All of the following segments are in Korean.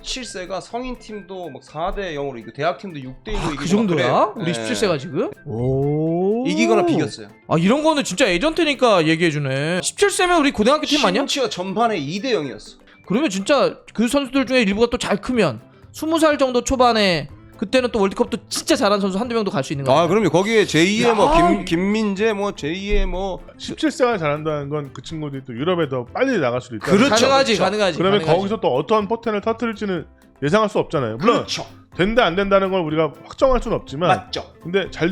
17세가 성인 팀도 막 4대 0으로 이기고 대학 팀도 6대 1로 이기고 그 정도야? 그래. 우리 17세가 지금? 오. 이기거나 비겼어요. 아 이런 거는 진짜 에이전트니까 얘기해주네. 17세면 우리 고등학교 팀 아니야? 심지어 전반에 2대 0이었어. 그러면 진짜 그 선수들 중에 일부가 또 잘 크면 20살 정도 초반에 그때는 또 월드컵도 진짜 잘한 선수 한두 명도 갈 수 있는 거야. 아 그럼요. 거기에 제2의 뭐 김민재 뭐 제2의 뭐 17세가 잘한다는 건 그 친구들이 또 유럽에 더 빨리 나갈 수도 있다. 그렇죠. 가능하지, 그렇죠. 가능하지. 그러면 가능하지. 거기서 또 어떠한 포텐을 터뜨릴지는 예상할 수 없잖아요. 물론 그렇죠. 된다 안 된다는 걸 우리가 확정할 수는 없지만 맞죠. 근데 잘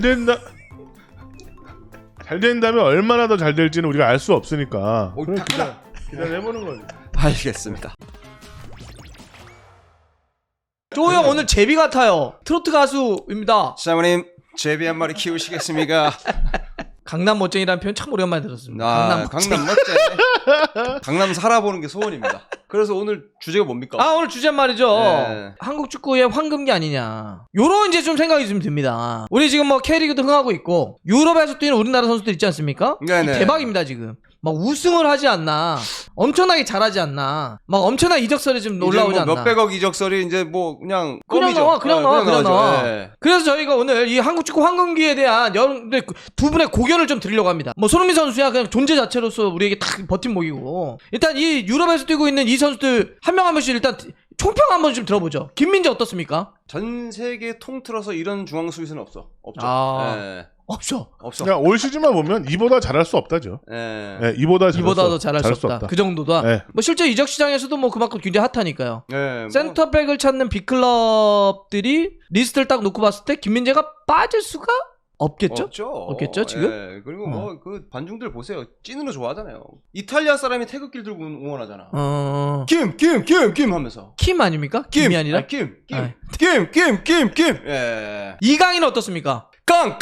된다면 얼마나 더 잘 될지는 우리가 알 수 없으니까 옳다. 기다려보는 거지. 알겠습니다. 조형 오늘 제비 같아요. 트로트 가수입니다. 사모님 제비 한 마리 키우시겠습니까? 강남 멋쟁이라는 표현 참 오랜만에 들었습니다. 아, 강남 멋쟁이. 강남 멋쟁이. 강남 살아보는 게 소원입니다. 그래서 오늘 주제가 뭡니까? 아 오늘 주제 말이죠. 네. 한국 축구의 황금기 아니냐. 요런 이제 좀 생각이 좀 듭니다. 우리 지금 뭐 K리그도 흥하고 있고 유럽에서 뛰는 우리나라 선수들 있지 않습니까? 네네. 대박입니다 지금. 막 우승을 하지 않나, 엄청나게 잘하지 않나, 막 엄청난 이적설이 좀 올라오지 이제 뭐 않나. 몇백억 이적설이 이제 뭐 그냥 그냥 껌이죠. 나와, 그냥 나와, 그냥 나오죠. 나와. 예. 그래서 저희가 오늘 이 한국 축구 황금기에 대한 여러분들 두 분의 고견을 좀 드리려고 합니다. 뭐 손흥민 선수야 그냥 존재 자체로서 우리에게 딱 버팀목이고, 일단 이 유럽에서 뛰고 있는 이 선수들 한 명 한 명씩 일단 총평 한번 좀 들어보죠. 김민재 어떻습니까? 전 세계 통틀어서 이런 중앙 수비수는 없죠. 아. 예. 없죠. 없어. 그냥 올 시즌만 보면 이보다 잘할 수 없다죠. 예. 네, 이보다 더 잘할 수 없다. 그 정도다. 네. 뭐 실제 이적 시장에서도 뭐 그만큼 굉장히 핫하니까요. 예. 뭐 센터백을 찾는 빅클럽들이 리스트를 딱 놓고 봤을 때 김민재가 빠질 수가 없겠죠? 없겠죠, 지금? 예. 그리고 뭐 그 관중들 보세요. 찐으로 좋아하잖아요. 이탈리아 사람이 태극기를 들고 응원하잖아. 김 하면서. 킴 아닙니까? 김이 아니라? 아니, 김. 아. 예. 이강인은 어떻습니까? 깡.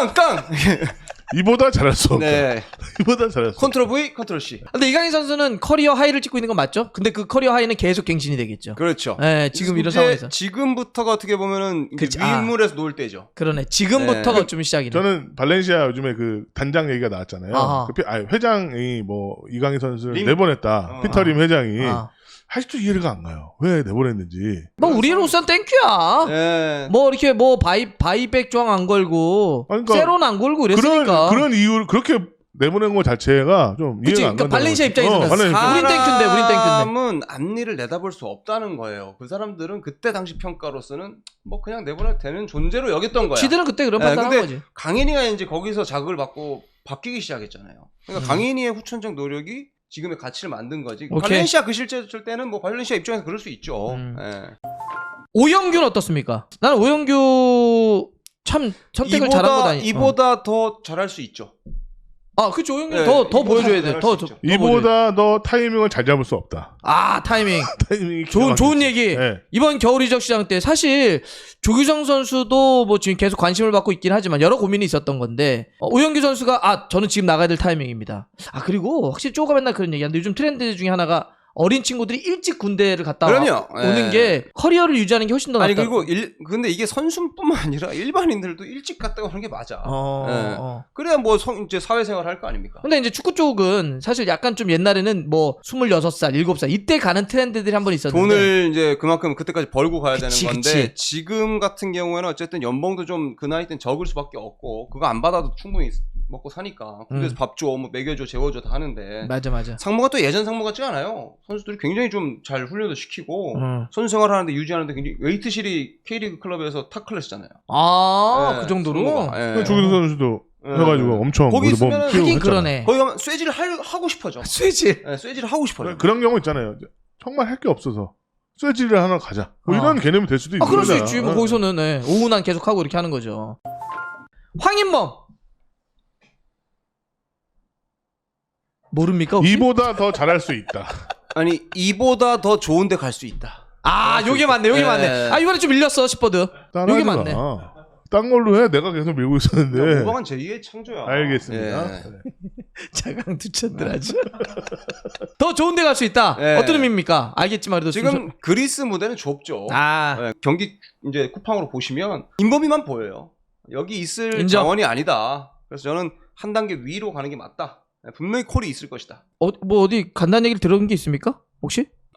이보다 잘할 수 없다. 네. 이보다 잘할 수 없다. 컨트롤 V, 컨트롤 C. 근데 이강인 선수는 커리어 하이를 찍고 있는 건 맞죠? 근데 그 커리어 하이는 계속 갱신이 되겠죠. 그렇죠. 네, 지금 이런 이제 상황에서. 지금부터가 어떻게 보면은 이제 그치, 위인물에서 놓을 때죠. 그러네. 지금부터가 네. 좀 시작이네. 저는 발렌시아 요즘에 그 단장 얘기가 나왔잖아요. 아하. 회장이 뭐 이강인 선수를 림? 내보냈다. 피터림 회장이 아. 아직도 이해가 안 가요. 왜 내보냈는지. 뭐 우리로선 땡큐야. 예. 뭐 이렇게 뭐 바이백 조항 안 걸고 그러니까 세론 안 걸고 이랬으니까. 그런 이유를 그렇게 내보낸 거 자체가 좀 그치, 이해가 안 그러니까 간다. 발렌시아 입장에서는 우린 땡큐인데, 우린 땡큐인데. 사람은 앞니를 내다볼 수 없다는 거예요. 그 사람들은 그때 당시 평가로서는 뭐 그냥 내보내도 되는 존재로 여겼던 거야. 지들은 그때 그런 판단한 근데 거지. 강인이가 이제 거기서 자극을 받고 바뀌기 시작했잖아요. 그러니까 강인이의 후천적 노력이 지금의 가치를 만든 거지. 오케이. 발렌시아 그 실제였을 때는 뭐 발렌시아 입장에서 그럴 수 있죠. 예. 오영규는 어떻습니까? 나는 오영규 참 선택을 잘한 거다. 이보다 더 잘할 수 있죠. 아, 그치. 오영규 네, 더 이보다 보여줘야 돼. 잘할 더 수 있죠. 이보다 더 타이밍을 잘 잡을 수 없다. 아, 타이밍. 타이밍이 좋은 얘기. 네. 이번 겨울 이적 시장 때 사실 조규성 선수도 뭐 지금 계속 관심을 받고 있긴 하지만 여러 고민이 있었던 건데 오영규 선수가 저는 지금 나가야 될 타이밍입니다. 그리고 확실히 쪼가 맨날 그런 얘기하는데 요즘 트렌드 중에 하나가 어린 친구들이 일찍 군대를 갔다 그럼요. 오는 예. 게 커리어를 유지하는 게 훨씬 더 낫다. 아니 그리고 근데 이게 선수뿐만 아니라 일반인들도 일찍 갔다 오는 게 맞아. 예. 그래야 뭐 이제 사회생활 할 거 아닙니까? 근데 이제 축구 쪽은 사실 약간 좀 옛날에는 뭐 26살, 7살 이때 가는 트렌드들이 한 번 있었는데 돈을 이제 그만큼 그때까지 벌고 가야 그치, 되는 건데 그치. 지금 같은 경우에는 어쨌든 연봉도 좀 그 나이 땐 적을 수밖에 없고 그거 안 받아도 충분히 먹고 사니까 군대에서 밥 줘, 뭐 먹여줘, 재워줘 다 하는데 맞아. 상무가 또 예전 상무 같지가 않아요. 선수들이 굉장히 좀 잘 훈련도 시키고 선수 생활하는데 유지하는데 굉장히 웨이트실이 K리그 클럽에서 탑 클래스잖아요. 그 정도로? 상무가. 예. 조규성 선수도 해가지고 엄청 거기 몸 있으면은 키우고 하긴 했잖아. 그러네. 거기 가면 쇠질을 하고 싶어져. 쇠질. 네, 쇠질을 하고 싶어요. 그런 경우 있잖아요. 정말 할 게 없어서 쇠질을 하나 가자. 뭐 이런 개념이 될 수도 있는 그럴 수 거잖아. 있지. 뭐 거기서는 오운환 계속 하고 이렇게 하는 거죠. 황인범 모릅니까? 혹시? 이보다 더 잘할 수 있다. 아니 이보다 더 좋은데 갈 수 있다. 요게 맞네. 요게 네. 맞네. 이번에 좀 밀렸어 시퍼드. 요게 맞네. 딴 걸로 해. 내가 계속 밀고 있었는데. 오방한 제2의 창조야. 알겠습니다. 예. 자강 투천들 아주. 더 좋은 데 갈 수 있다. 네. 어떤 의미입니까? 알겠지만 그래도 지금 그리스 무대는 좁죠. 예, 경기 이제 쿠팡으로 보시면 인범이만 보여요. 여기 있을 인정. 자원이 아니다. 그래서 저는 한 단계 위로 가는 게 맞다. 예, 분명히 콜이 있을 것이다. 뭐 어디 간단한 얘기를 들은 게 있습니까? 혹시?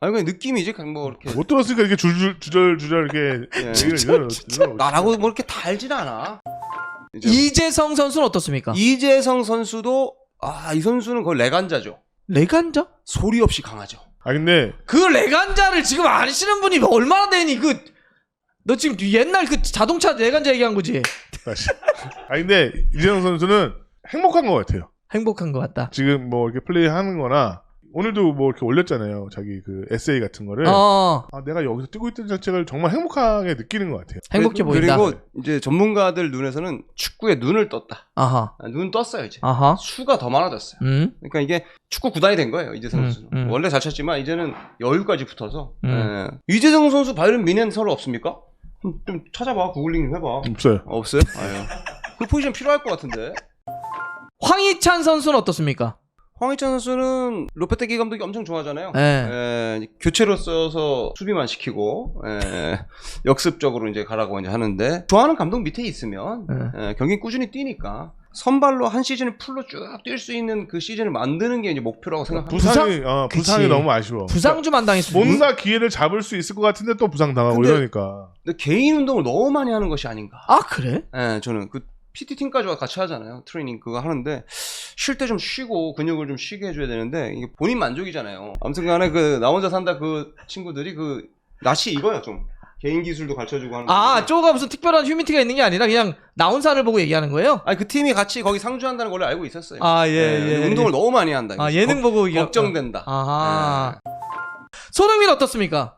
아니 그냥 느낌이지 그냥 뭐 이렇게 못 들었으니까 이렇게 주절 이렇게 예. 얘기를 나라고 뭐 이렇게 달진 않아. 이재성 선수는 어떻습니까? 이재성 선수도 이 선수는 거의 레간자죠. 레간자? 소리 없이 강하죠. 아 근데 그 레간자를 지금 아시는 분이 얼마나 되니? 너 지금 옛날 그 자동차 레간자 얘기한 거지? 다시. 아 근데 이재성 선수는 행복한 것 같아요. 행복한 것 같다. 지금 뭐 이렇게 플레이하는 거나 오늘도 뭐 이렇게 올렸잖아요. 자기 그 에세이 같은 거를. 내가 여기서 뛰고 있던 자체가 정말 행복하게 느끼는 것 같아요. 행복해 보인다. 그리고 이제 전문가들 눈에서는 축구에 눈을 떴다. 아하. 눈 떴어요 이제. 아하. 수가 더 많아졌어요. 그러니까 이게 축구 구단이 된 거예요 이재성 선수는. 원래 잘 쳤지만 이제는 여유까지 붙어서. 예. 이재성 선수 바이런 미넨 서로 없습니까? 좀 찾아봐. 구글링 좀 해봐. 없어요. 없어요? 아유. 그 포지션 필요할 것 같은데. 황희찬 선수는 어떻습니까? 황희찬 선수는 로페테기 감독이 엄청 좋아하잖아요. 네. 교체로 써서 수비만 시키고 역습적으로 이제 가라고 이제 하는데 좋아하는 감독 밑에 있으면 경기 꾸준히 뛰니까 선발로 한 시즌을 풀로 쭉 뛸 수 있는 그 시즌을 만드는 게 이제 목표라고 생각합니다. 부상이 너무 아쉬워. 부상주만 당했으면 뭔가 기회를 잡을 수 있을 것 같은데 또 부상 당하고 근데 이러니까. 근데 개인 운동을 너무 많이 하는 것이 아닌가. 아 그래? 저는 그 PT 팀까지 같이 하잖아요. 트레이닝 그거 하는데 쉴 때 좀 쉬고 근육을 좀 쉬게 해줘야 되는데 이게 본인 만족이잖아요. 아무튼간에 그 나 혼자 산다 그 친구들이 그 낯이 익어요 좀. 개인 기술도 가르쳐주고 하는. 쪼가 무슨 특별한 휴미티가 있는 게 아니라 그냥 나온 산을 보고 얘기하는 거예요? 아니 그 팀이 같이 거기 상주한다는 걸 알고 있었어요. 예. 운동을 너무 많이 한다. 예능 보고 걱정된다. 아하. 손흥민 어떻습니까?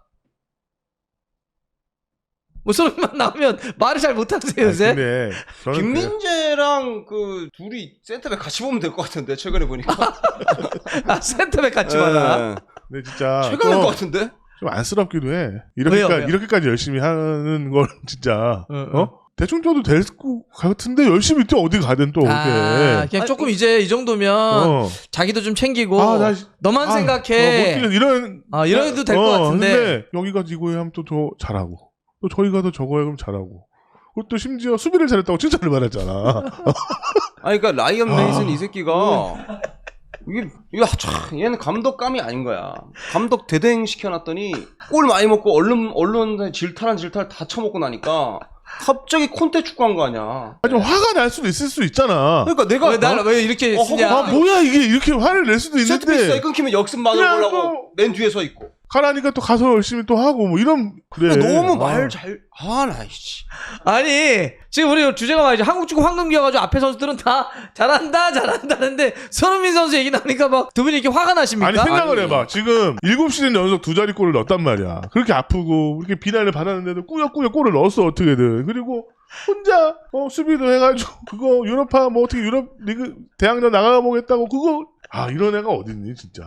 뭐 손흥민만 나오면 말을 잘 못하세요 요새? 근데 저는 김민재랑 그 둘이 센터백 같이 보면 될 것 같은데 최근에 보니까. 센터백 같이 봐라. 근데 진짜 최근에 것 같은데? 좀 안쓰럽기도 해. 왜요? 이렇게까지 열심히 하는 걸 진짜 대충 뛰어도 될 것 같은데 열심히 뛰어 어디 가든 또 그렇게. 그냥 조금 이제 이 정도면 자기도 좀 챙기고 너만 생각해. 못 뛰는 이런 해도 될 것 같은데. 근데 여기가 지고에 하면 또 더 잘하고 또 저희가 더 저거에 그럼 잘하고 그리고 또 심지어 수비를 잘했다고 칭찬을 받았잖아. 아니 그러니까 라이언 메이슨 이 새끼가 참 얘는 감독감이 아닌 거야. 감독 대행 시켜놨더니 골 많이 먹고 언론에 질탈 다 쳐먹고 나니까 갑자기 콘테 축구한 거 아니야. 좀 화가 날 수도 있을 수 있잖아. 그러니까 내가 왜 이렇게 쓰냐? 뭐야 이게 이렇게 화를 낼 수도 있는데. 세트피스 끊기면 역습 막으려고 맨 뒤에 서 있고. 가라니까 또 가서 열심히 또 하고 뭐 이런 그래. 너무 말 잘. 나이씨. 아니 지금 우리 주제가 말이죠. 한국 축구 황금기여가지고 앞에 선수들은 다 잘한다는데 손흥민 선수 얘기 나니까 막 두 분이 이렇게 화가 나십니까? 아니 생각을 해봐. 지금 7시즌 연속 2자리 골을 넣었단 말이야. 그렇게 아프고 이렇게 비난을 받았는데도 꾸역꾸역 골을 넣었어 어떻게든. 그리고 혼자 수비도 해가지고 그거 유럽파 뭐 어떻게 유럽 리그 대항전 나가 보겠다고 그거 이런 애가 어딨니 진짜.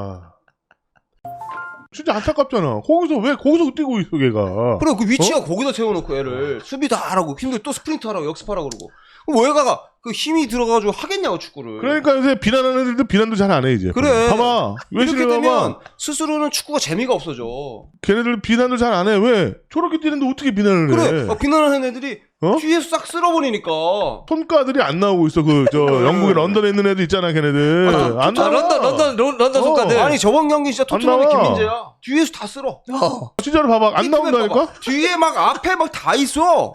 진짜 안타깝잖아. 거기서 뛰고 있어 걔가. 그래 그 위치가 거기다 세워놓고 애를 수비 다 하라고 힘들 또 스프린트 하라고 역습하라고 그러고 그럼 얘가 그 힘이 들어가지고 하겠냐고 축구를. 그러니까 요새 비난하는 애들도 비난도 잘 안 해 이제. 그래. 봐봐. 이렇게 되면 봐봐. 스스로는 축구가 재미가 없어져. 걔네들 비난도 잘 안 해. 왜? 저렇게 뛰는데 어떻게 비난을 해? 그래. 비난하는 애들이 뒤에서 싹 쓸어버리니까. 손가들이 안 나오고 있어. 영국에 런던에 있는 애들 있잖아, 걔네들. 안 나와. 런던 손가들. 아니 저번 경기 진짜 토트넘의 김민재야. 뒤에서 다 쓸어. 진짜로 봐봐. 안 나온다니까? 봐봐. 뒤에 막 앞에 막 다 있어.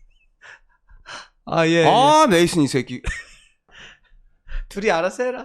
예. 메이슨 이 새끼. 둘이 알아서 해라.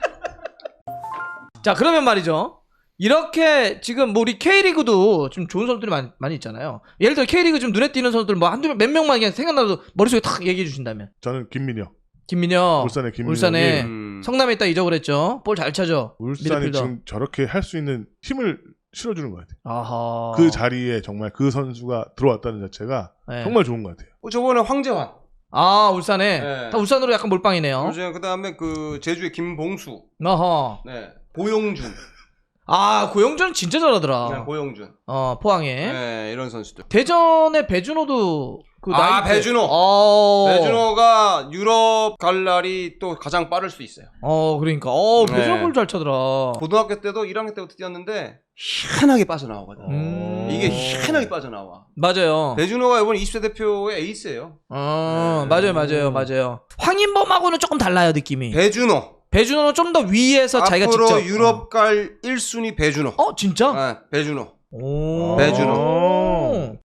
자, 그러면 말이죠. 이렇게 지금 뭐 우리 K리그도 좀 좋은 선수들이 많이 있잖아요. 예를 들어 K리그 좀 눈에 띄는 선수들 뭐 한두 몇 명만 그냥 생각나도 머릿속에 탁 얘기해 주신다면. 저는 김민혁. 울산에 성남에 있다 잊어버렸죠. 볼 잘 차죠. 울산이 미드필더. 지금 저렇게 할 수 있는 힘을 실어주는 것 같아요. 아하. 그 자리에 정말 그 선수가 들어왔다는 자체가 정말 좋은 것 같아요. 저번에 황재환. 울산에. 네. 다 울산으로 약간 몰빵이네요. 그다음에 그 제주의 김봉수. 어허. 네. 고용준. 고영준은 진짜 잘하더라. 네, 고용준. 포항에. 네, 이런 선수들. 대전의 배준호도 배준호. 배준호가 유럽 갈 날이 또 가장 빠를 수 있어요. 그러니까. 배준호 볼 잘 차더라. 고등학교 때도 1학년 때부터 뛰었는데 희한하게 빠져나오거든. 이게 희한하게 빠져나와. 맞아요. 배준호가 이번 20세 대표의 에이스예요. 맞아요. 황인범하고는 조금 달라요, 느낌이. 배준호. 배준호는 좀 더 위에서 자기가 앞으로 직접 유럽 갈 1순위 배준호. 진짜? 네, 배준호. 오. 배준호.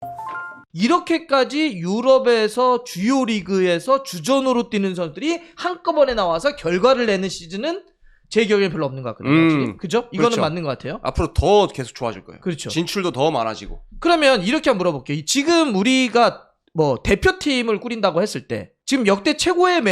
이렇게까지 유럽에서 주요 리그에서 주전으로 뛰는 선수들이 한꺼번에 나와서 결과를 내는 시즌은 제 기억에 별로 없는 것 같거든요. 확실히. 그죠? 이거는 그렇죠. 맞는 것 같아요. 앞으로 더 계속 좋아질 거예요. 그렇죠. 진출도 더 많아지고. 그러면 이렇게 한번 물어볼게요. 지금 우리가 뭐 대표팀을 꾸린다고 했을 때 지금 역대 최고의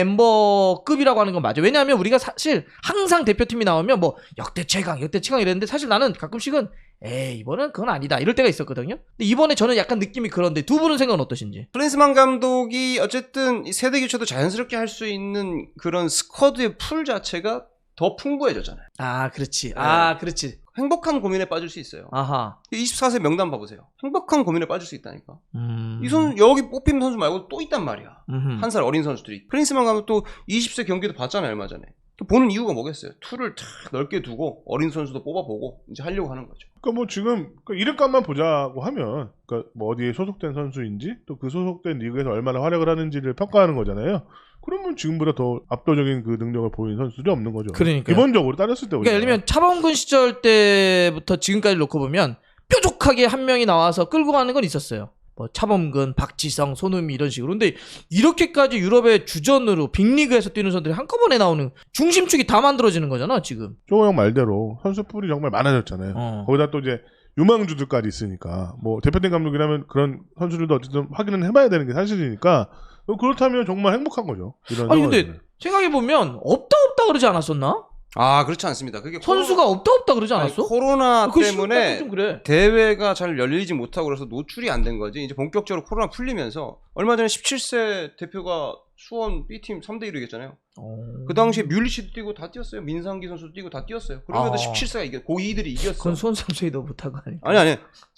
멤버급이라고 하는 건 맞아요. 왜냐하면 우리가 사실 항상 대표팀이 나오면 뭐 역대 최강 이랬는데 사실 나는 가끔씩은 이번엔 그건 아니다 이럴 때가 있었거든요. 근데 이번에 저는 약간 느낌이 그런데 두 분은 생각은 어떠신지? 클린스만 감독이 어쨌든 이 세대 교체도 자연스럽게 할 수 있는 그런 스쿼드의 풀 자체가 더 풍부해졌잖아요. 그렇지. 그렇지. 행복한 고민에 빠질 수 있어요. 아하. 24세 명단 봐보세요. 행복한 고민에 빠질 수 있다니까. 음. 이 선수 여기 뽑힌 선수 말고 또 있단 말이야. 음흠. 한 살 어린 선수들이. 클린스만 감독도 20세 경기도 봤잖아요 얼마 전에. 보는 이유가 뭐겠어요? 툴을 탁 넓게 두고 어린 선수도 뽑아보고 이제 하려고 하는 거죠. 그러니까 뭐 지금 이름값만 보자고 하면 그러니까 뭐 어디에 소속된 선수인지 또 그 소속된 리그에서 얼마나 활약을 하는지를 평가하는 거잖아요. 그러면 지금보다 더 압도적인 그 능력을 보이는 선수들이 없는 거죠. 그러니까요. 기본적으로 따졌을 때 그러니까 예를 들면 차범근 시절 때부터 지금까지 놓고 보면 뾰족하게 한 명이 나와서 끌고 가는 건 있었어요. 뭐 차범근, 박지성, 손흥민 이런 식으로. 근데 이렇게까지 유럽의 주전으로 빅리그에서 뛰는 선수들이 한꺼번에 나오는 중심축이 다 만들어지는 거잖아 지금. 조호 형 말대로 선수 풀이 정말 많아졌잖아요. 거기다 또 이제 유망주들까지 있으니까 뭐 대표팀 감독이라면 그런 선수들도 어쨌든 확인은 해봐야 되는 게 사실이니까 그렇다면 정말 행복한 거죠. 이런 아니 근데 상황에서는. 생각해보면 없다 그러지 않았었나? 그렇지 않습니다. 그게 선수가 없다 그러지 않았어? 코로나 그거 때문에 좀 그래. 대회가 잘 열리지 못하고 그래서 노출이 안 된 거지. 이제 본격적으로 코로나 풀리면서 얼마 전에 17세 대표가 수원 B팀 3대1로 이겼잖아요. 그 당시에 뮬리치도 뛰고 다 뛰었어요. 민상기 선수도 뛰고 다 뛰었어요. 그러면서 17세가 이겨 고2들이 이겼어. 그건 수원 삼성이 더 못한 거 아니야? 아니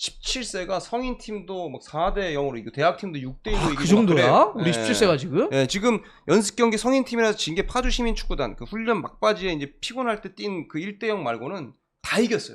17세가 성인 팀도 막 4대 0으로 이기고 대학 팀도 6대 1로 이기고 그 정도야? 우리 예. 17세가 지금? 예, 지금 연습 경기 성인 팀이라서 진 게 파주 시민축구단 그 훈련 막바지에 이제 피곤할 때 뛴 그 1대 0 말고는 다 이겼어요.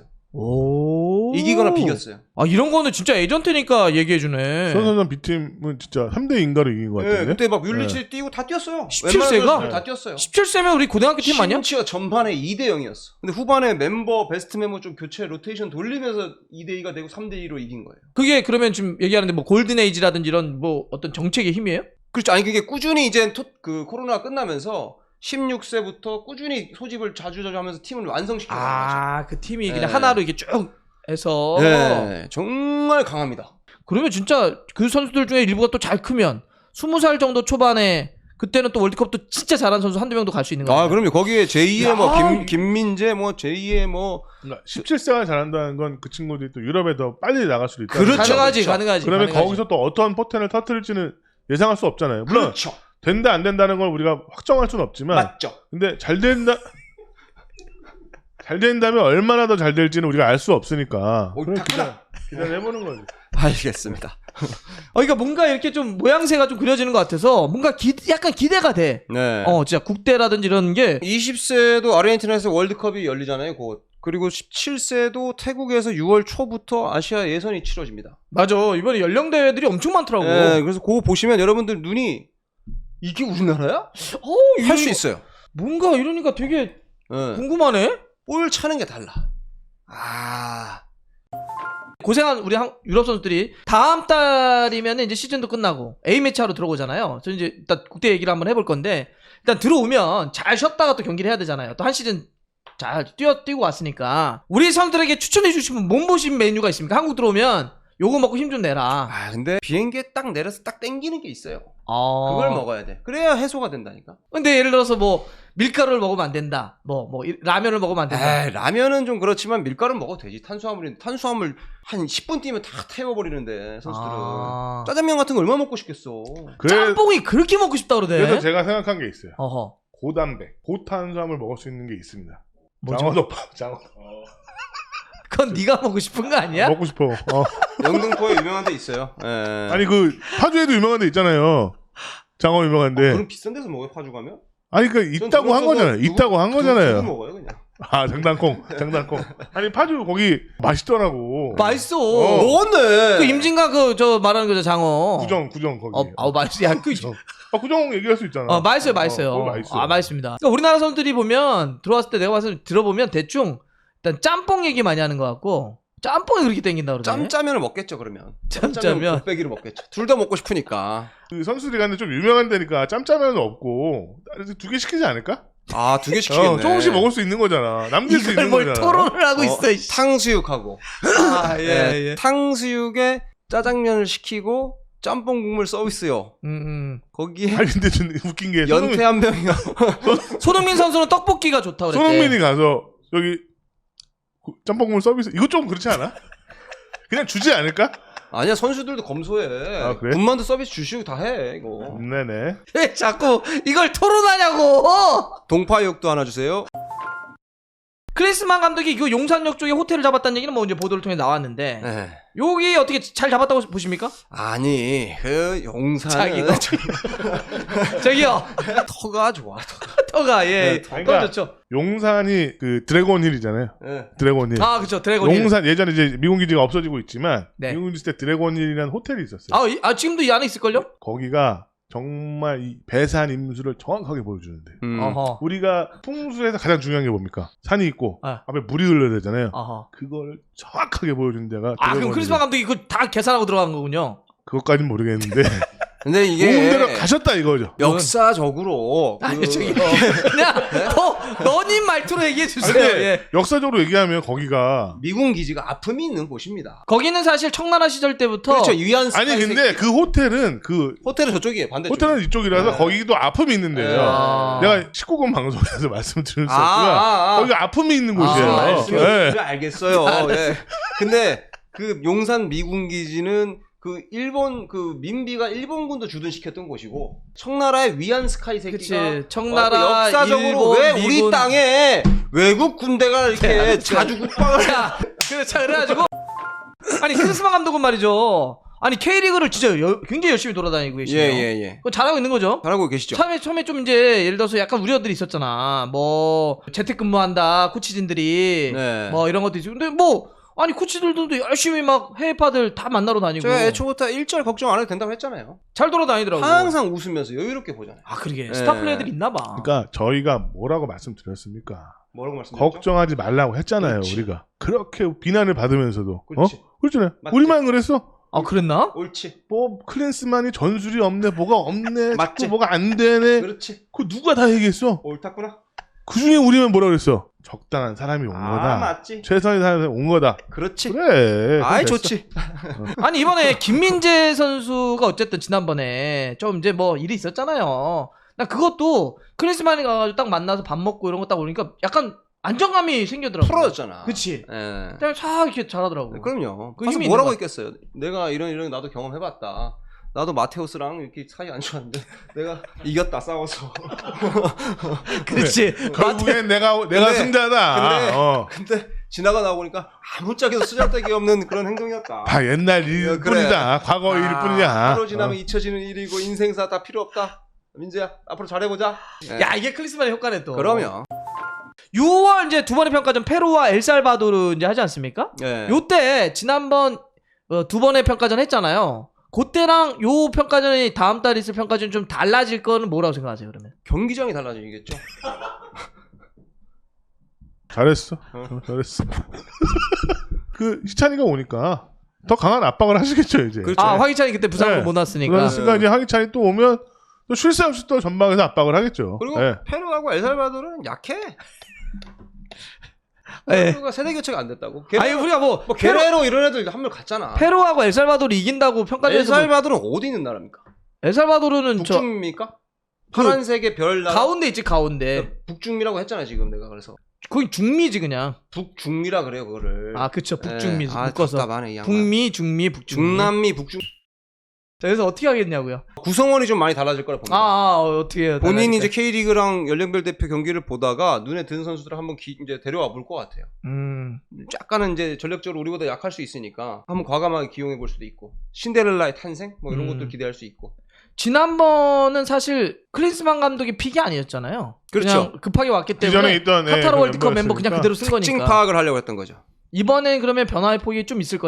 오. 이기거나 비겼어요. 이런 거는 진짜 에이전트니까 얘기해주네. 수원삼성 B팀은 진짜 3대2인가로 이긴 것 같은데. 예, 그때 막 뮬리치 뛰고 다 뛰었어요. 17세가? 웬만한 선수들 다 뛰었어요. 17세면 우리 고등학교 팀 아니야? 심지어 전반에 2대 0이었어. 근데 후반에 베스트 멤버 좀 교체 로테이션 돌리면서 2대 2가 되고 3대 2로 이긴 거예요. 그게 그러면 지금 얘기하는데 뭐 골든 에이지라든지 이런 뭐 어떤 정책의 힘이에요? 그렇죠. 아니 그게 꾸준히 이제 그 코로나가 끝나면서 16세부터 꾸준히 소집을 자주 하면서 팀을 완성시켜가는 거죠. 그 팀이 그냥 네. 하나로 이렇게 쭉 해서. 네, 정말 강합니다. 그러면 진짜 그 선수들 중에 일부가 또 잘 크면 20살 정도 초반에 그때는 또 월드컵도 진짜 잘하는 선수 한두 명도 갈 수 있는 거예요. 그럼요. 거기에 제2의 야. 뭐 김민재 뭐 제2의 뭐 그러니까 17세가 잘한다는 건 그 친구들이 또 유럽에 더 빨리 나갈 수도 있다. 그렇죠. 가능하지. 그러면 가능하지. 거기서 또 어떠한 포텐을 터뜨릴지는 예상할 수 없잖아요. 물론 그렇죠. 된다 안 된다는 걸 우리가 확정할 수는 없지만 맞죠. 근데 잘 된다면 얼마나 더 잘 될지는 우리가 알 수 없으니까 그럼 기다려보는 거지. 알겠습니다. 그러니까 뭔가 이렇게 좀 모양새가 좀 그려지는 것 같아서 뭔가 약간 기대가 돼. 네. 진짜 국대라든지 이런 게 20세도 아르헨티나에서 월드컵이 열리잖아요. 곧. 그리고 17세도 태국에서 6월 초부터 아시아 예선이 치러집니다. 맞아. 이번에 연령 대회들이 엄청 많더라고. 네, 그래서 그거 보시면 여러분들 눈이 이게 우리나라야? 할 수 있어요. 뭔가 이러니까 되게 네. 궁금하네. 볼 차는 게 달라. 고생한 우리 유럽 선수들이 다음 달이면 이제 시즌도 끝나고 A매치 하러 들어오잖아요. 저 이제 일단 국대 얘기를 한번 해볼 건데 일단 들어오면 잘 쉬었다가 또 경기를 해야 되잖아요. 또 한 시즌 잘 뛰고 왔으니까 우리 선수들에게 추천해 주시면 몸보신 메뉴가 있습니까? 한국 들어오면 요거 먹고 힘 좀 내라. 근데 비행기에 딱 내려서 딱 땡기는 게 있어요. 그걸 먹어야 돼. 그래야 해소가 된다니까. 근데 예를 들어서 뭐 밀가루를 먹으면 안 된다. 라면을 먹으면 안 된다. 라면은 좀 그렇지만 밀가루는 먹어도 되지. 탄수화물 한 10분 뛰면 다 태워버리는데 선수들은. 짜장면 같은 거 얼마나 먹고 싶겠어. 짬뽕이 그렇게 먹고 싶다 그러대. 그래서 제가 생각한 게 있어요. 어허. 고단백, 고탄수화물 먹을 수 있는 게 있습니다. 뭐죠? 장어덮밥, 장어. 그건 네가 먹고 싶은 거 아니야? 먹고 싶어. 영등포에 유명한 데 있어요. 예. 아니 그 파주에도 유명한 데 있잖아요. 장어 유명한데. 그럼 비싼 데서 먹어요, 파주 가면? 아니 그 있다고 한 거잖아요. 있다고 한 거잖아요. 두고 먹어요, 그냥. 장단콩. 아니 파주 거기 맛있더라고. 맛있어. 먹었네. 그 임진강 저 말하는 거죠, 장어. 구정 거기. 맛있어. 야, 구정 얘기할 수 있잖아. 맛있어요, 맛있어요. 그거 맛있어. 맛있습니다. 그러니까 우리나라 선수들이 보면 들어왔을 때 내가 봐서 들어보면 대충 일단 짬뽕 얘기 많이 하는 것 같고 짬뽕이 그렇게 땡긴다 그러네. 짬짜면을 먹겠죠 그러면. 짬짜면. 곱빼기를 먹겠죠. 둘 다 먹고 싶으니까. 그 선수들이 가는데 좀 유명한 데니까 짬짜면은 없고 2개 시키지 않을까? 아 2개 시키겠네. 조금씩 먹을 수 있는 거잖아. 남길 수 이걸 있는 뭘 거잖아. 토론을 하고 있어. 이씨. 탕수육하고. 아, 예. 탕수육에 짜장면을 시키고 짬뽕 국물 서비스요. 거기에 아니 근데 좀 웃긴 게 연태 한 명이요. 손흥민 선수는 떡볶이가 좋다고 그랬대. 손흥민이 가서 여기 짬뽕국물 서비스 이거 좀 그렇지 않아? 그냥 주지 않을까? 아니야 선수들도 검소해. 아, 그래? 군만두 서비스 주시고 다 해 이거. 네네. 왜 자꾸 이걸 토론하냐고. 동파육도 하나 주세요. 크리스만 감독이 그 용산역 쪽에 호텔을 잡았다는 얘기는 뭐 이제 보도를 통해 나왔는데 네. 여기 어떻게 잘 잡았다고 보십니까? 아니 그 용산은 저기요. 터가 좋아. 터가 예. 그러니까 터 좋죠. 용산이 그 드래곤힐이잖아요. 네. 드래곤힐. 아 그렇죠. 드래곤. 용산 예전에 이제 미군 기지가 없어지고 있지만 네. 미군 기지 때 드래곤힐이라는 호텔이 있었어요. 지금도 이 안에 있을걸요? 거기가 정말 이 배산 임수를 정확하게 보여주는데 어허. 우리가 풍수에서 가장 중요한 게 뭡니까? 산이 있고 아. 앞에 물이 흘러야 되잖아요. 어허. 그걸 정확하게 보여주는 데가 아 그럼 드래곤힐이에요. 크리스만 감독이 그거 다 계산하고 들어간 거군요. 그것까지는 모르겠는데 근데 이게 좋은 데로 가셨다 이거죠. 역사적으로 아니 그- 저기요. 그냥 너님 말투로 얘기해 주세요. 근데 예. 역사적으로 얘기하면 거기가 미군 기지가 아픔이 있는 곳입니다. 거기는 사실 청나라 시절 때부터 그렇죠. 위안 아니 근데 그 호텔은 그 호텔은 저쪽이에요. 반대쪽. 호텔은 이쪽이라서 네. 거기도 아픔이 있는데요. 아. 내가 19금 방송에서 말씀드릴 수 없지만 거기가 아픔이 있는 곳이에요. 말씀을 네. 알겠어요. 예. 근데 그 용산 미군 기지는 그 일본 그 민비가 일본군도 주둔시켰던 곳이고 청나라의 위안 스카이 새끼가 그치. 청나라, 와서 역사적으로 일본, 왜 미군. 우리 땅에 외국 군대가 이렇게 자주 국방을 자, 그래가지고 아니 크리스만 감독은 말이죠. 아니 K리그를 진짜 굉장히 열심히 돌아다니고 계시네요. 예예예. 그거 잘하고 있는 거죠? 잘하고 계시죠. 처음에 좀 이제 예를 들어서 약간 우려들이 있었잖아. 뭐 재택근무한다 코치진들이 네. 뭐 이런 것도 있고. 근데 뭐 아니 코치들도 열심히 막 해외파들 다 만나러 다니고 제가 애초부터 일절 걱정 안 해도 된다고 했잖아요. 잘 돌아다니더라고. 항상 웃으면서 여유롭게 보잖아요. 아 그러게 네. 스타 플레이들 있나 봐. 그러니까 저희가 뭐라고 말씀드렸습니까? 뭐라고 말씀드렸죠? 걱정하지 말라고 했잖아요. 그렇지. 우리가 그렇게 비난을 받으면서도 그렇지. 그렇잖아요. 맞지. 우리만 그랬어. 아 그랬나? 옳지. 뭐 클린스만이 전술이 없네, 뭐가 없네, 맞지. 자꾸 뭐가 안 되네. 그렇지. 그 누가 다 얘기했어? 옳았구나. 그 중에 우리만 뭐라 그랬어? 적당한 사람이 온 아 거다. 맞지. 최선의 사람이 온 거다. 그렇지. 그래. 아이 됐어. 좋지. 아니 이번에 김민재 선수가 어쨌든 지난번에 좀 이제 뭐 일이 있었잖아요. 나 그것도 크리스만이 가가지고 딱 만나서 밥 먹고 이런 거 딱 보니까 약간 안정감이 생기더라고. 풀어졌잖아. 그치. 예. 그냥 싹 이렇게 잘하더라고. 그럼요. 그 가서 힘이 뭐라고 있는 있겠어요. 내가 이런 나도 경험해봤다. 나도 마테우스랑 이렇게 사이 안 좋았는데 내가 이겼다 싸워서. 그렇지. 결국엔 내가 근데- 승자다. 근데 지나가 나오니까 아무짝에도 쓰잘데기 없는 그런 행동이었다. 다 옛날 그래. 일뿐이다. 과거 일뿐이야. 하루 지나면 잊혀지는 일이고 인생사 다 필요 없다. 민재야 앞으로 잘해보자. 예. 야 이게 클리스만의 효과네 또. 그럼요. 6월 이제 두 번의 평가전 페루와 엘살바도르 이제 하지 않습니까? 예. 요때 지난번 두 번의 평가전 했잖아요. 그때랑 요 평가전이 다음 달에 있을 평가전 좀 달라질 거는 뭐라고 생각하세요 그러면? 경기장이 달라지겠죠. 잘했어. 잘했어. 그 희찬이가 오니까 더 강한 압박을 하시겠죠 이제. 그렇죠. 아 화기찬이 그때 부상으로 네. 못 왔으니까. 그러니까 이제 황희찬이 또 오면 또 쉴 새 없이 또 전방에서 압박을 하겠죠. 그리고 네. 페루하고 엘살바도르는 약해. 네. 페루가 세대 교체가 안 됐다고. 아니 우리가 뭐 게레로 이런 애들 한 명 갔잖아. 페루하고 엘살바도르 이긴다고 평가전에서 뭐- 엘살바도르는 어디 있는 나라입니까? 엘살바도르는 저 북중입니까? 파란색의 별 나라. 가운데 있지 가운데. 북중미라고 했잖아 지금 내가 그래서. 거기 중미지 그냥. 북중미라 그래요 그거를. 아 그쵸 북중미 아, 묶어서. 답답하네, 이 양반. 북미 중미 북중미. 중남미 북중. 자, 그래서 어떻게 하겠냐고요? 구성원이 좀 많이 달라질 거라 봅니다. 어떻게 해요? 본인이 이제 K리그랑 연령별 대표 경기를 보다가 눈에 드는 선수들을 한번 이제 데려와 볼 것 같아요. 약간은 이제 전력적으로 우리보다 약할 수 있으니까 한번 과감하게 기용해 볼 수도 있고 신데렐라의 탄생 뭐 이런 것들 기대할 수 있고. 지난번은 사실 클린스만 감독이 픽이 아니었잖아요. 그렇죠. 그냥 급하게 왔기 그 때문에 전에 있던 카타르 그 월드컵 멤버 그냥 멤버였으니까. 그대로 쓴 특징 거니까. 파악을 하려고 했던 거죠. 이번엔 그러면 변화의 폭이 좀 있을 거다.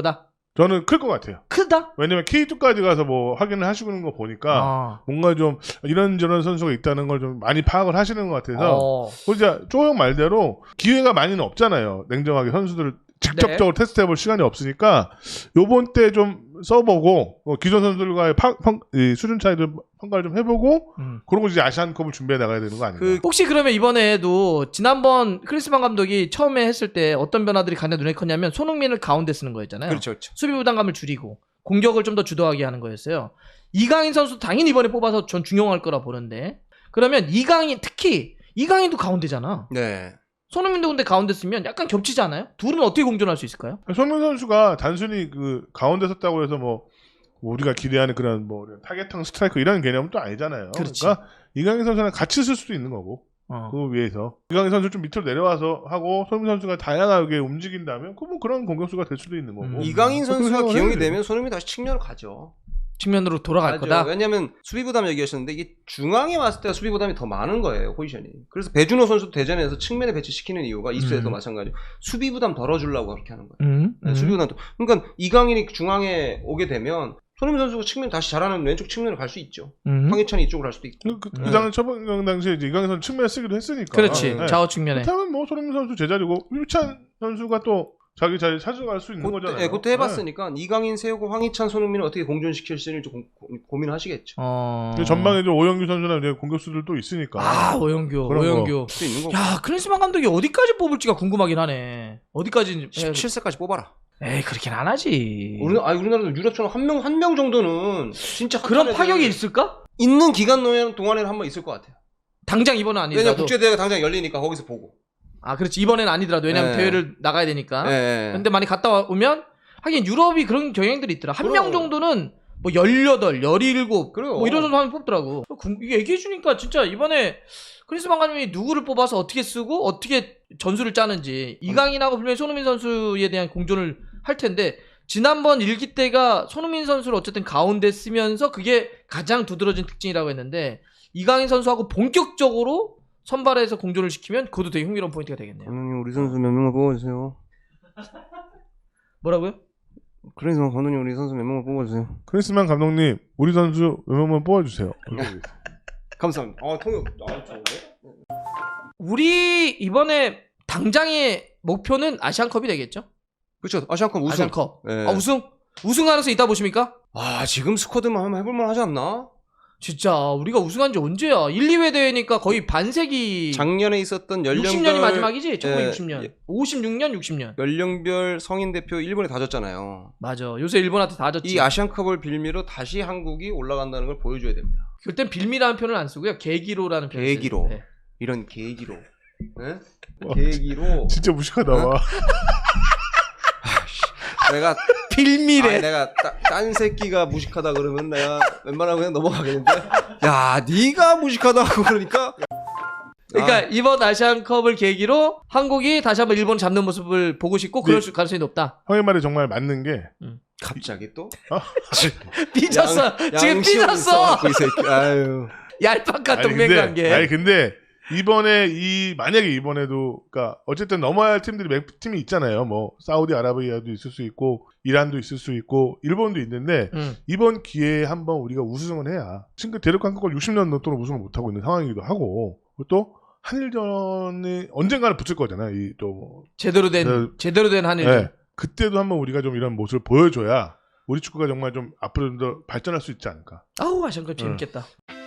저는 클 것 같아요. 크다? 왜냐면 K2까지 가서 뭐 확인을 하시는 거 보니까 아. 뭔가 좀 이런저런 선수가 있다는 걸 좀 많이 파악을 하시는 것 같아서 진짜 쪼형 말대로 기회가 많이는 없잖아요. 냉정하게 선수들을 직접적으로 테스트해볼 시간이 없으니까 요번 때 좀 써보고 기존 선수들과의 이 수준 차이를 평가를 좀 해보고 그러고 이제 아시안컵을 준비해 나가야 되는 거 아닌가. 혹시 그러면 이번에도 지난번 크리스만 감독이 처음에 했을 때 어떤 변화들이 가장 눈에 컸냐면 손흥민을 가운데 쓰는 거였잖아요. 그렇죠, 그렇죠. 수비 부담감을 줄이고 공격을 좀 더 주도하게 하는 거였어요. 이강인 선수 당연히 이번에 뽑아서 전 중용할 거라 보는데 그러면 이강인 특히 이강인도 가운데잖아. 네. 손흥민도 근데 가운데 쓰면 약간 겹치지 않아요? 둘은 어떻게 공존할 수 있을까요? 손흥민 선수가 단순히 그 가운데 섰다고 해서 뭐 우리가 기대하는 그런 뭐 타겟형 스트라이커 이런 개념은 또 아니잖아요. 그렇지. 그러니까 이강인 선수랑 같이 쓸 수도 있는 거고 그 위에서 이강인 선수 좀 밑으로 내려와서 하고 손흥민 선수가 다양하게 움직인다면 뭐 그런 공격수가 될 수도 있는 거고. 이강인 그렇게 선수가 생각을 기용이 해야지. 되면 손흥민이 다시 측면으로 가죠. 측면으로 돌아갈 맞아. 거다. 왜냐면 수비 부담 얘기하셨는데 이게 중앙에 왔을 때 수비 부담이 더 많은 거예요, 포지션이. 그래서 배준호 선수도 대전에서 측면에 배치시키는 이유가 이수에도 마찬가지로 수비 부담 덜어주려고 그렇게 하는 거예요. 네, 수비 부담. 그러니까 이강인이 중앙에 오게 되면 손흥민 선수가 측면 다시 잘하는 왼쪽 측면으로 갈 수 있죠. 황희찬이 이쪽으로 갈 수도 있고. 그 당시 초반 당시에 이제 이강인 선수 측면에 쓰기도 했으니까. 그렇지. 네. 좌우 측면에. 그렇다면 뭐 손흥민 선수 제자리고 유찬 선수가 또 자기 자리 찾아갈 수 있는 거잖아요. 네, 그때 해봤으니까 이강인 세우고 황희찬, 손흥민을 어떻게 공존시킬지를 좀 고민하시겠죠. 근데 전방에 좀 오영규 선수나 이제 공격수들도 있으니까. 아, 오영규. 그런 오영규. 수 있는 거고. 야, 크리스만 감독이 어디까지 뽑을지가 궁금하긴 하네. 어디까지 17세까지 뽑아라. 에이, 그렇긴 안 하지. 우리나라도 유럽처럼 한 명 정도는 진짜 그런 핫한 파격이 애들 있을까? 있는 기간 동안에는 한 번 있을 것 같아요. 당장 이번은 왜냐면 아니더라도. 국제대회가 당장 열리니까 거기서 보고. 아, 그렇지. 이번에는 아니더라도. 왜냐면 네. 대회를 나가야 되니까. 네. 근데 많이 갔다 오면 하긴 유럽이 그런 경향들이 있더라. 한 명 그럼. 정도는 뭐 18, 17, 그래요. 뭐 이런 정도 하면 뽑더라고. 이게 얘기해주니까 진짜 이번에 크리스만 감독이 누구를 뽑아서 어떻게 쓰고 어떻게 전술을 짜는지 이강인하고 분명히 손흥민 선수에 대한 공존을 할 텐데 지난번 일기 때가 손흥민 선수를 어쨌든 가운데 쓰면서 그게 가장 두드러진 특징이라고 했는데 이강인 선수하고 본격적으로 선발해서 공존을 시키면 그것도 되게 흥미로운 포인트가 되겠네요. 감독님 우리 선수 몇 명을 뽑아주세요. 뭐라고요? 그래서 감독님 우리 선수 몇 명을 뽑아주세요. 크리스만 감독님 우리 선수 몇 명만 뽑아주세요. 감사합니다. 통역. 좋은데? 우리 이번에 당장의 목표는 아시안컵이 되겠죠? 그렇죠. 아시안컵 우승. 아시안컵. 네. 우승 가능성 있다 보십니까? 지금 스쿼드만 하면 해볼만 하지 않나? 진짜 우리가 우승한 지 언제야? 1, 2회 대회니까 거의 반세기. 작년에 있었던 연령별 60년이 마지막이지? 1960년. 예. 56년, 60년. 연령별 성인 대표 일본에 다 졌잖아요. 맞아. 요새 일본한테 다 졌지. 이 아시안컵을 빌미로 다시 한국이 올라간다는 걸 보여줘야 됩니다. 그땐 빌미라는 표현을 안 쓰고요. 계기로라는 표현을 계기로. 써요. 네. 이런 계기로. 네? 계기로. 진짜 무식하다. 어? 와. 내가 빌미래. 내가 딴 새끼가 무식하다 그러면 내가 웬만하면 그냥 넘어가겠는데. 야, 네가 무식하다고 그러니까. 그러니까 이번 아시안컵을 계기로 한국이 다시 한번 일본을 잡는 모습을 보고 싶고 그럴 가능성이 높다. 형의 말이 정말 맞는 게 갑자기 또? 삐졌어. 지금 양심이 삐졌어. 있어갖고 이 새끼. 아유. 얄팍한 동맹관계. 근데 이번에 만약에 이번에도 그러니까 어쨌든 넘어야 할 팀들이 몇 팀이 있잖아요. 뭐 사우디아라비아도 있을 수 있고 이란도 있을 수 있고 일본도 있는데 이번 기회에 한번 우리가 우승을 해야 지금 대륙 한국을 60년 동안 우승을 못 하고 있는 상황이기도 하고 그리고 또 한일전이 언젠가는 붙을 거잖아요. 이 또 제대로 된 한일전. 네. 그때도 한번 우리가 좀 이런 모습을 보여줘야 우리 축구가 정말 좀 앞으로 좀 더 발전할 수 있지 않을까. 아우 아시안컵 재밌겠다.